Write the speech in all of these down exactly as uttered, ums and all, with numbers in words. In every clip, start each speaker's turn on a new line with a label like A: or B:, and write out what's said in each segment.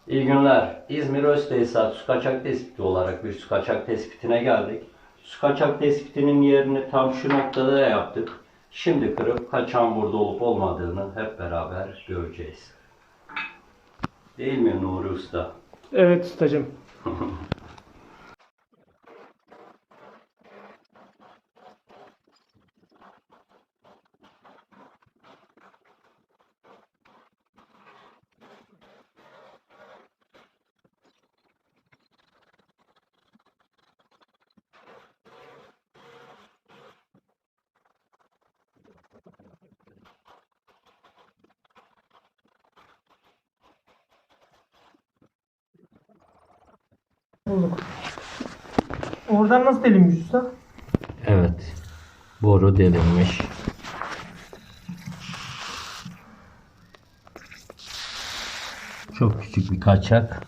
A: İyi günler. İzmir Öztesisat su kaçak tespiti olarak bir su kaçak tespitine geldik. Su kaçak tespitinin yerini tam şu noktada yaptık. Şimdi kırıp kaçağın burada olup olmadığını hep beraber göreceğiz. Değil mi Nuri Usta?
B: Evet ustacığım. Bulduk. Oradan nasıl delinmiş usta?
A: Evet. Boru delinmiş. Çok küçük bir kaçak.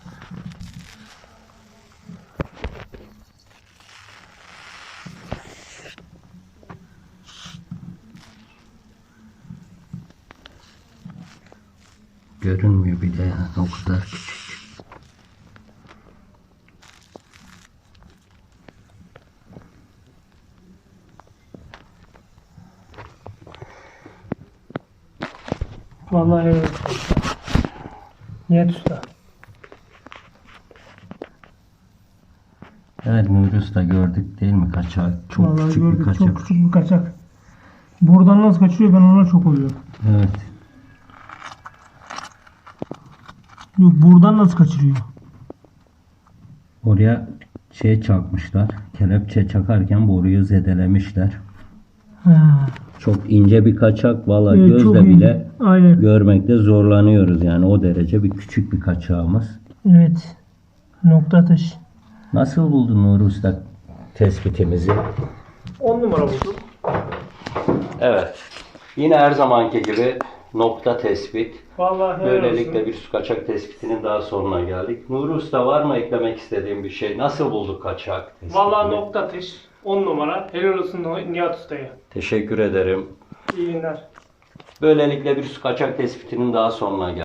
A: Görünmüyor bile yani, o kadar küçük.
B: Vallahi evet. Niyet usta.
A: Evet Nuri Usta, gördük değil mi kaçak? Çok
B: Vallahi
A: küçük
B: gördük,
A: bir kaçak.
B: çok küçük bir kaçak. Buradan nasıl kaçırıyor, ben ona çok oluyorum.
A: Evet.
B: Yok, buradan nasıl kaçırıyor?
A: Oraya şey çakmışlar. Kelepçe çakarken boruyu zedelemişler.
B: Ha.
A: Çok ince bir kaçak. Vallahi
B: Evet, çok
A: gözle
B: ince.
A: bile
B: Aynen.
A: görmekte zorlanıyoruz. Yani o derece bir küçük bir kaçağımız.
B: Evet. Nokta atış.
A: Nasıl buldun Nuri Usta tespitimizi?
B: on numara bulduk.
A: Evet. Yine her zamanki gibi nokta tespit.
B: Vallahi helal
A: Böylelikle
B: olsun.
A: bir su kaçak tespitinin daha sonuna geldik. Nuri Usta, var mı eklemek istediğin bir şey? Nasıl bulduk kaçak tespitini?
B: Vallahi nokta atış. on numara. Helal olsun Nihat ustaya.
A: Teşekkür ederim.
B: İyi günler.
A: Böylelikle bir su kaçak tespitinin daha sonuna geldik.